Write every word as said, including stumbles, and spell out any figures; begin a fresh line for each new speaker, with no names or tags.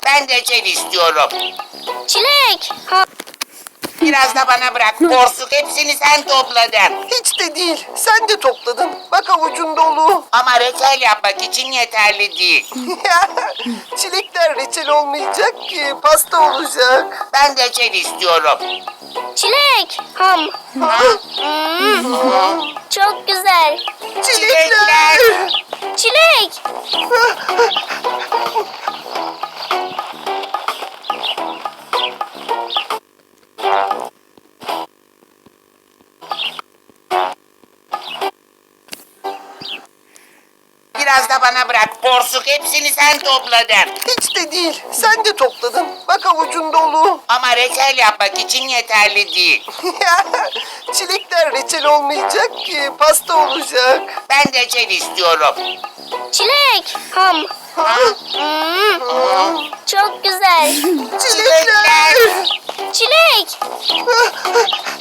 Ben reçel istiyorum.
Çilek. Ha,
Biraz da bana bırak. Porsuk hepsini sen topladın.
Hiç de değil. Sen de topladın. Bak avucun dolu.
Ama reçel yapmak için yeterli değil.
Çilekler reçel olmayacak ki. Pasta olacak.
Ben reçel istiyorum.
çilek. Ham.
Ha?
Hmm, çok güzel.
Çilekler.
Çilek.
Biraz da bana bırak. Porsuk hepsini sen topladın.
Hiç de değil. Sen de topladın. Bak avucun dolu.
Ama reçel yapmak için yeterli değil.
Çilekler reçel olmayacak ki. Pasta olacak.
Ben reçel istiyorum.
Çilek. Ham.
Ha?
Hmm, çok güzel.
Çilekler.
Çilek.